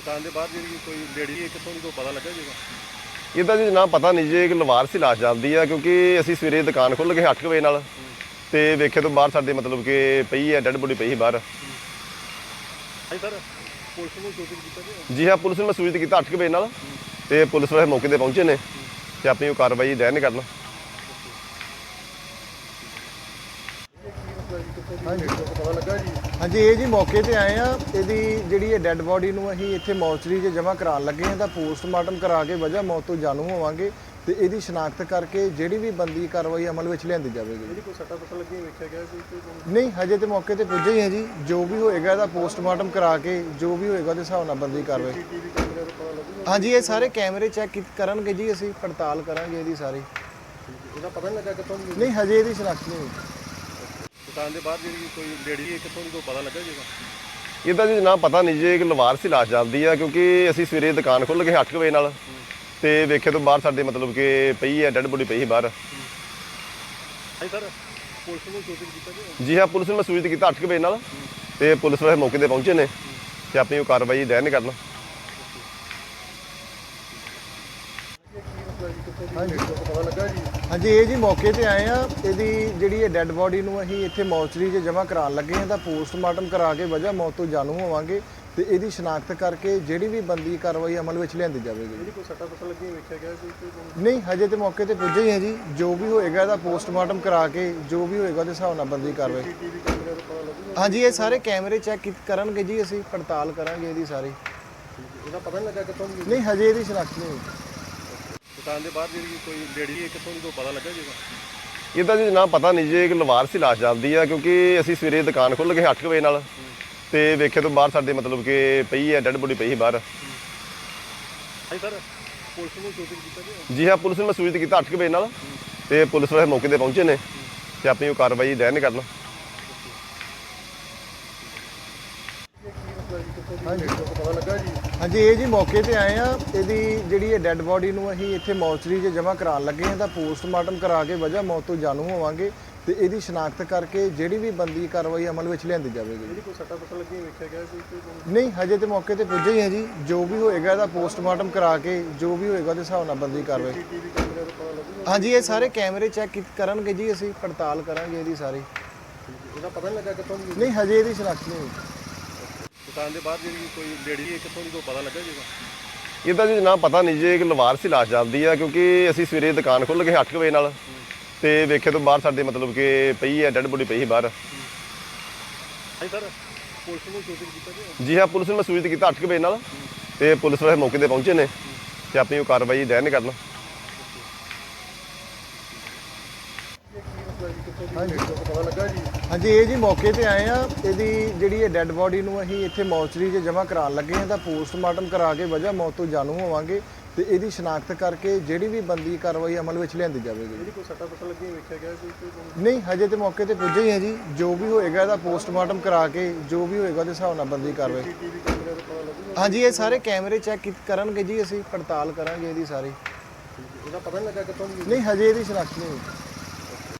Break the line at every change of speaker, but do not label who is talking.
ਦੁਕਾਨ ਦੇ ਬਾਹਰ ਜਿਹੜੀ ਕੋਈ ਲੇਡੀ ਹੈ ਕਿੱਥੋਂ ਦੀ ਕੋਈ ਪਤਾ ਲੱਗਾ ਜੀਗਾ?
ਇਹਦਾ ਜੀ ਨਾ ਪਤਾ ਨਹੀਂ ਜੀ, ਇੱਕ ਲਵਾਰ ਸੀ ਲਾਸ਼ ਚੱਲਦੀ ਆ ਕਿਉਂਕਿ ਅਸੀਂ ਸਵੇਰੇ ਦੁਕਾਨ ਖੁੱਲ੍ਹ ਗਏ 8 ਵਜੇ ਨਾਲ ਤੇ ਵੇਖੇ ਤੋਂ ਬਾਹਰ ਸਾਡੇ ਮਤਲਬ ਕਿ ਪਈ ਹੈ, ਡੈਡ ਬੋਡੀ ਪਈ ਸੀ ਬਾਹਰ।
ਹਾਂਜੀ ਸਰ, ਪੁਲਿਸ ਨੂੰ ਸੂਚਿਤ ਕੀਤਾ ਜੀ?
ਜੀ ਹਾਂ, ਪੁਲਿਸ ਨੂੰ ਮੈਂ ਸੂਚਿਤ ਕੀਤਾ 8 ਵਜੇ ਨਾਲ ਤੇ ਪੁਲਿਸ ਵਾਲੇ ਮੌਕੇ ਤੇ ਪਹੁੰਚੇ ਨੇ ਤੇ ਆਪਣੀ ਉਹ ਕਾਰਵਾਈ ਦੈਨ ਕਰਨ।
ਪਤਾ ਲੱਗਾ ਜੀ?
ਹਾਂਜੀ, ਇਹ ਜੀ ਮੌਕੇ ਤੇ ਆਏ ਆ। ਇਹਦੀ ਜਿਹੜੀ ਇਹ ਡੈੱਡ ਬੋਡੀ ਨੂੰ ਅਸੀਂ ਇੱਥੇ ਮੌਚਰੀ 'ਚ ਜਮ੍ਹਾਂ ਕਰਾਉਣ ਲੱਗੇ ਹਾਂ ਤਾਂ ਪੋਸਟਮਾਰਟਮ ਕਰਾ ਕੇ ਵਜ੍ਹਾ ਮੌਤ ਤੋਂ ਜਾਣੂ ਹੋਵਾਂਗੇ ਤੇ ਇਹਦੀ ਸ਼ਨਾਖਤ ਕਰਕੇ ਜਿਹੜੀ ਵੀ ਬੰਦੀ ਕਾਰਵਾਈ ਅਮਲ ਵਿੱਚ ਲਿਆਂਦੀ ਜਾਵੇਗੀ।
ਜਿਹੜੀ ਕੋਈ ਸੱਟਾਂ ਫੱਟਾਂ ਲੱਗੀਆਂ ਵੇਖਿਆ ਗਿਆ ਕੋਈ?
ਨਹੀਂ, ਹਜੇ ਤੇ ਮੌਕੇ ਤੇ ਪੁੱਜੇ ਹੀ ਹਾਂ ਜੀ। ਜੋ ਵੀ ਹੋਏਗਾ ਇਹਦਾ ਪੋਸਟਮਾਰਟਮ ਕਰਾ ਕੇ ਜੋ ਵੀ ਹੋਏਗਾ ਉਹਦੇ ਹਿਸਾਬ ਨਾਲ ਬੰਦੀ ਕਾਰਵਾਈ।
ਟੀਵੀ ਕੈਮਰੇ ਦਾ ਪਤਾ ਲੱਗੂਗਾ?
ਹਾਂਜੀ, ਇਹ ਸਾਰੇ ਕੈਮਰੇ ਚੈੱਕ ਕਰਨਗੇ ਜੀ, ਅਸੀਂ ਪੜਤਾਲ ਕਰਾਂਗੇ ਇਹਦੀ ਸਾਰੀ।
ਇਹਦਾ ਪਤਾ ਨਹੀਂ ਲੱਗਾ ਕਿੱਥੋਂ ਦੀ?
ਨਹੀਂ, ਹਜੇ ਇਹਦੀ ਸ਼ਨਾਖਤ ਨਹੀਂ ਹੋਈ।
ਦੁਕਾਨ ਦੇ ਬਾਹਰ ਜਿਹੜੀ ਕੋਈ ਲੇਡੀ ਹੈ ਕਿੱਥੋਂ ਦੀ ਕੋਈ ਪਤਾ ਲੱਗਾ ਜੀਗਾ?
ਇਹਦਾ ਜੀ ਨਾ ਪਤਾ ਨਹੀਂ ਜੀ, ਇੱਕ ਲਵਾਰ ਸੀ ਲਾਸ਼ ਚੱਲਦੀ ਆ ਕਿਉਂਕਿ ਅਸੀਂ ਸਵੇਰੇ ਦੁਕਾਨ ਖੁੱਲ੍ਹ ਗਏ 8 ਵਜੇ ਨਾਲ ਤੇ ਵੇਖੇ ਤੋਂ ਬਾਹਰ ਸਾਡੇ ਮਤਲਬ ਕਿ ਪਈ ਹੈ, ਡੈਡ ਬੋਡੀ ਪਈ ਸੀ ਬਾਹਰ।
ਹਾਂਜੀ ਸਰ, ਪੁਲਿਸ ਨੂੰ ਸੂਚਿਤ ਕੀਤਾ ਜੀ?
ਜੀ ਹਾਂ, ਪੁਲਿਸ ਨੂੰ ਮੈਂ ਸੂਚਿਤ ਕੀਤਾ 8 ਵਜੇ ਨਾਲ ਤੇ ਪੁਲਿਸ ਵਾਲੇ ਮੌਕੇ ਤੇ ਪਹੁੰਚੇ ਨੇ ਤੇ ਆਪਣੀ ਉਹ ਕਾਰਵਾਈ ਦੈਨ ਕਰਨ।
ਪਤਾ ਲੱਗਾ ਜੀ?
ਹਾਂਜੀ, ਇਹ ਜੀ ਮੌਕੇ ਤੇ ਆਏ ਆ। ਇਹਦੀ ਜਿਹੜੀ ਇਹ ਡੈੱਡ ਬੋਡੀ ਨੂੰ ਅਸੀਂ ਇੱਥੇ ਮੌਚਰੀ 'ਚ ਜਮ੍ਹਾਂ ਕਰਾਉਣ ਲੱਗੇ ਹਾਂ ਤਾਂ ਪੋਸਟਮਾਰਟਮ ਕਰਾ ਕੇ ਵਜ੍ਹਾ ਮੌਤ ਤੋਂ ਜਾਣੂ ਹੋਵਾਂਗੇ ਤੇ ਇਹਦੀ ਸ਼ਨਾਖਤ ਕਰਕੇ ਜਿਹੜੀ ਵੀ ਬੰਦੀ ਕਾਰਵਾਈ ਅਮਲ ਵਿੱਚ ਲਿਆਂਦੀ ਜਾਵੇਗੀ।
ਜਿਹੜੀ ਕੋਈ ਸੱਟਾਂ ਫੱਟਾਂ ਲੱਗੀਆਂ ਵੇਖਿਆ ਗਿਆ ਕੋਈ?
ਨਹੀਂ, ਹਜੇ ਤੇ ਮੌਕੇ ਤੇ ਪੁੱਜੇ ਹੀ ਹਾਂ ਜੀ। ਜੋ ਵੀ ਹੋਏਗਾ ਇਹਦਾ ਪੋਸਟਮਾਰਟਮ ਕਰਾ ਕੇ ਜੋ ਵੀ ਹੋਏਗਾ ਉਹਦੇ ਹਿਸਾਬ ਨਾਲ ਬੰਦੀ ਕਾਰਵਾਈ।
ਟੀਵੀ ਕੈਮਰੇ ਦਾ ਪਤਾ ਲੱਗੂਗਾ?
ਹਾਂਜੀ, ਇਹ ਸਾਰੇ ਕੈਮਰੇ ਚੈੱਕ ਕਰਨਗੇ ਜੀ, ਅਸੀਂ ਪੜਤਾਲ ਕਰਾਂਗੇ ਇਹਦੀ ਸਾਰੀ।
ਇਹਦਾ ਪਤਾ ਨਹੀਂ ਲੱਗਾ ਕਿੱਥੋਂ ਦੀ?
ਨਹੀਂ, ਹਜੇ ਇਹਦੀ ਸ਼ਨਾਖਤ ਨਹੀਂ ਹੋਈ।
ਦੁਕਾਨ ਦੇ ਬਾਹਰ ਜਿਹੜੀ ਕੋਈ ਲੇਡੀ ਹੈ ਕਿੱਥੋਂ ਦੀ ਕੋਈ ਪਤਾ ਲੱਗਾ ਜੀਗਾ?
ਇਹਦਾ ਜੀ ਨਾ ਪਤਾ ਨਹੀਂ ਜੀ, ਇੱਕ ਲਵਾਰ ਸੀ ਲਾਸ਼ ਚੱਲਦੀ ਆ ਕਿਉਂਕਿ ਅਸੀਂ ਸਵੇਰੇ ਦੁਕਾਨ ਖੁੱਲ੍ਹ ਗਏ 8 ਵਜੇ ਨਾਲ ਤੇ ਵੇਖੇ ਤੋਂ ਬਾਹਰ ਸਾਡੇ ਮਤਲਬ ਕਿ ਪਈ ਹੈ, ਡੈਡ ਬੋਡੀ ਪਈ ਸੀ ਬਾਹਰ।
ਹਾਂਜੀ ਸਰ, ਪੁਲਿਸ ਨੂੰ ਸੂਚਿਤ ਕੀਤਾ ਜੀ?
ਜੀ ਹਾਂ, ਪੁਲਿਸ ਨੂੰ ਮੈਂ ਸੂਚਿਤ ਕੀਤਾ 8 ਵਜੇ ਨਾਲ ਤੇ ਪੁਲਿਸ ਵਾਲੇ ਮੌਕੇ ਤੇ ਪਹੁੰਚੇ ਨੇ ਤੇ ਆਪਣੀ ਉਹ ਕਾਰਵਾਈ ਦੈਨ ਕਰਨ।
ਪਤਾ ਲੱਗਾ ਜੀ?
ਹਾਂਜੀ, ਇਹ ਜੀ ਮੌਕੇ ਤੇ ਆਏ ਆ। ਇਹਦੀ ਜਿਹੜੀ ਇਹ ਡੈੱਡ ਬੋਡੀ ਨੂੰ ਅਸੀਂ ਇੱਥੇ ਮੌਚਰੀ 'ਚ ਜਮ੍ਹਾਂ ਕਰਾਉਣ ਲੱਗੇ ਹਾਂ ਤਾਂ ਪੋਸਟਮਾਰਟਮ ਕਰਾ ਕੇ ਵਜ੍ਹਾ ਮੌਤ ਤੋਂ ਜਾਣੂ ਹੋਵਾਂਗੇ ਤੇ ਇਹਦੀ ਸ਼ਨਾਖਤ ਕਰਕੇ ਜਿਹੜੀ ਵੀ ਬੰਦੀ ਕਾਰਵਾਈ ਅਮਲ ਵਿੱਚ ਲਿਆਂਦੀ ਜਾਵੇਗੀ।
ਜਿਹੜੀ ਕੋਈ ਸੱਟਾਂ ਫੱਟਾਂ ਲੱਗੀਆਂ ਵੇਖਿਆ ਗਿਆ ਕੋਈ?
ਨਹੀਂ, ਹਜੇ ਤੇ ਮੌਕੇ ਤੇ ਪੁੱਜੇ ਹੀ ਹਾਂ ਜੀ। ਜੋ ਵੀ ਹੋਏਗਾ ਇਹਦਾ ਪੋਸਟਮਾਰਟਮ ਕਰਾ ਕੇ ਜੋ ਵੀ ਹੋਏਗਾ ਉਹਦੇ ਹਿਸਾਬ ਨਾਲ ਬੰਦੀ ਕਾਰਵਾਈ।
ਟੀਵੀ ਕੈਮਰੇ ਦਾ ਪਤਾ ਲੱਗੂਗਾ?
ਹਾਂਜੀ, ਇਹ ਸਾਰੇ ਕੈਮਰੇ ਚੈੱਕ ਕਰਨਗੇ ਜੀ, ਅਸੀਂ ਪੜਤਾਲ ਕਰਾਂਗੇ ਇਹਦੀ ਸਾਰੀ।
ਇਹਦਾ ਪਤਾ ਨਹੀਂ ਲੱਗਾ ਕਿੱਥੋਂ ਦੀ?
ਨਹੀਂ, ਹਜੇ ਇਹਦੀ ਸ਼ਨਾਖਤ ਨਹੀਂ ਹੋਈ।
ਦੁਕਾਨ ਦੇ ਬਾਹਰ ਜਿਹੜੀ ਕੋਈ ਲੇਡੀ ਹੈ ਕਿੱਥੋਂ ਦੀ ਕੋਈ ਪਤਾ ਲੱਗਾ ਜੀਗਾ?
ਇਹਦਾ ਜੀ ਨਾ ਪਤਾ ਨਹੀਂ ਜੀ, ਇੱਕ ਲਵਾਰ ਸੀ ਲਾਸ਼ ਚੱਲਦੀ ਆ ਕਿਉਂਕਿ ਅਸੀਂ ਸਵੇਰੇ ਦੁਕਾਨ ਖੁੱਲ੍ਹ ਗਏ 8 ਵਜੇ ਨਾਲ ਤੇ ਵੇਖੇ ਤੋਂ ਬਾਹਰ ਸਾਡੇ ਮਤਲਬ ਕਿ ਪਈ ਹੈ, ਡੈਡ ਬੋਡੀ ਪਈ ਸੀ ਬਾਹਰ।
ਹਾਂਜੀ ਸਰ, ਪੁਲਿਸ ਨੂੰ ਸੂਚਿਤ ਕੀਤਾ ਜੀ?
ਜੀ ਹਾਂ, ਪੁਲਿਸ ਨੂੰ ਮੈਂ ਸੂਚਿਤ ਕੀਤਾ 8 ਵਜੇ ਨਾਲ ਤੇ ਪੁਲਿਸ ਵਾਲੇ ਮੌਕੇ ਤੇ ਪਹੁੰਚੇ ਨੇ ਤੇ ਆਪਣੀ ਉਹ ਕਾਰਵਾਈ ਦੈਨ ਕਰਨ।
ਪਤਾ ਲੱਗਾ ਜੀ?
ਹਾਂਜੀ, ਇਹ ਜੀ ਮੌਕੇ ਤੇ ਆਏ ਆ। ਇਹਦੀ ਜਿਹੜੀ ਇਹ ਡੈੱਡ ਬੋਡੀ ਨੂੰ ਅਸੀਂ ਇੱਥੇ ਮੌਚਰੀ 'ਚ ਜਮ੍ਹਾਂ ਕਰਾਉਣ ਲੱਗੇ ਹਾਂ ਤਾਂ ਪੋਸਟਮਾਰਟਮ ਕਰਾ ਕੇ ਵਜ੍ਹਾ ਮੌਤ ਤੋਂ ਜਾਣੂ ਹੋਵਾਂਗੇ ਤੇ ਇਹਦੀ ਸ਼ਨਾਖਤ ਕਰਕੇ ਜਿਹੜੀ ਵੀ ਬੰਦੀ ਕਾਰਵਾਈ ਅਮਲ ਵਿੱਚ ਲਿਆਂਦੀ ਜਾਵੇਗੀ।
ਜਿਹੜੀ ਕੋਈ ਸੱਟਾਂ ਫੱਟਾਂ ਲੱਗੀਆਂ ਵੇਖਿਆ ਗਿਆ ਕੋਈ?
ਨਹੀਂ, ਹਜੇ ਤੇ ਮੌਕੇ ਤੇ ਪੁੱਜੇ ਹੀ ਹਾਂ ਜੀ। ਜੋ ਵੀ ਹੋਏਗਾ ਇਹਦਾ ਪੋਸਟਮਾਰਟਮ ਕਰਾ ਕੇ ਜੋ ਵੀ ਹੋਏਗਾ ਉਹਦੇ ਹਿਸਾਬ ਨਾਲ ਬੰਦੀ ਕਾਰਵਾਈ।
ਟੀਵੀ ਕੈਮਰੇ ਦਾ ਪਤਾ ਲੱਗੂਗਾ?
ਹਾਂਜੀ, ਇਹ ਸਾਰੇ ਕੈਮਰੇ ਚੈੱਕ ਕਰਨਗੇ ਜੀ, ਅਸੀਂ ਪੜਤਾਲ ਕਰਾਂਗੇ ਇਹਦੀ ਸਾਰੀ।
ਇਹਦਾ ਪਤਾ ਨਹੀਂ ਲੱਗਾ ਕਿੱਥੋਂ ਦੀ?
ਨਹੀਂ, ਹਜੇ ਇਹਦੀ ਸ਼ਨਾਖਤ ਨਹੀਂ ਹੋਈ।